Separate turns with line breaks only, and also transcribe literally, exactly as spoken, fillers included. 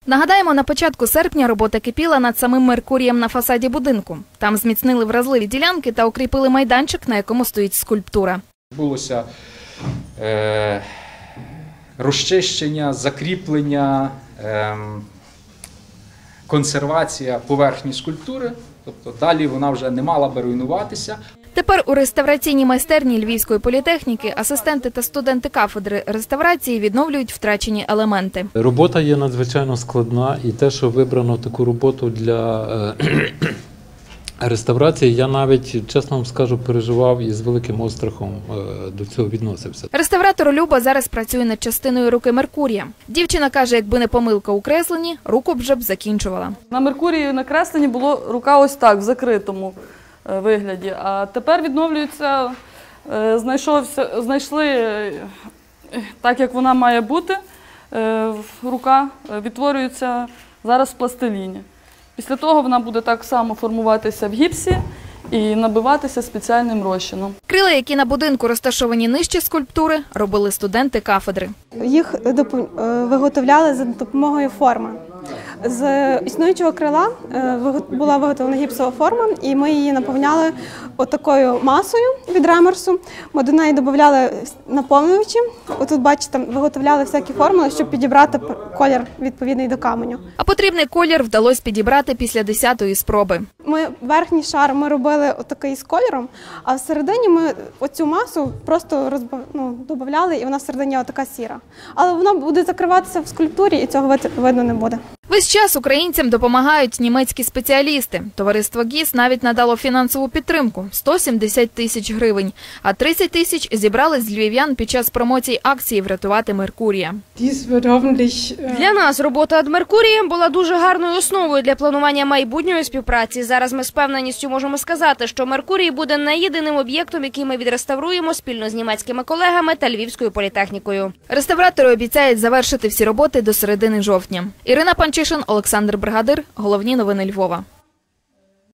Нагадаємо, на початку серпня робота кипіла над самим Меркурієм на фасаді будинку. Там зміцнили вразливі ділянки та укріпили майданчик, на якому стоїть скульптура.
Булося е, розчищення, закріплення, е, консервація поверхні скульптури. Тобто далі вона вже не мала би руйнуватися.
Тепер у реставраційній майстерні Львівської політехніки асистенти та студенти кафедри реставрації відновлюють втрачені елементи.
Робота є надзвичайно складна, і те, що вибрано таку роботу для реставрації, я навіть, чесно вам скажу, переживав і з великим острахом до цього відносився.
Реставратор Люба зараз працює над частиною руки Меркурія. Дівчина каже, якби не помилка у кресленні, руку б вже б закінчувала.
На Меркурії на кресленні було рука ось так, в закритому вигляді. А тепер відновлюється, знайшовся, знайшли так, як вона має бути, рука відтворюється зараз в пластиліні. Після того вона буде так само формуватися в гіпсі і набиватися спеціальним розчином.
Крила, які на будинку розташовані нижче скульптури, робили студенти кафедри.
Їх виготовляли за допомогою форми. З існуючого крила була виготовлена гіпсова форма, і ми її наповняли отакою масою від ремерсу. Ми до неї додавали наповнювачі. Отут, бачите, виготовляли всякі формули, щоб підібрати колір відповідний до каменю.
А потрібний колір вдалося підібрати після десятої спроби.
Ми верхній шар ми робили отакий з кольором, а всередині ми оцю масу просто розбав... ну, додавали, і вона всередині отака сіра. Але вона буде закриватися в скульптурі, і цього видно не буде.
Весь час українцям допомагають німецькі спеціалісти. Товариство ГІС навіть надало фінансову підтримку – сто сімдесят тисяч гривень. А тридцять тисяч зібрали з львів'ян під час промоції акції «Врятувати Меркурія».
Для нас робота над Меркурієм була дуже гарною основою для планування майбутньої співпраці. Зараз ми з певненістю можемо сказати, що Меркурій буде не єдиним об'єктом, який ми відреставруємо спільно з німецькими колегами та Львівською політехнікою.
Реставратори обіцяють завершити всі роботи до середини жовтня. Ірина Панчишин, Олександр Бригадир. Головні новини Львова.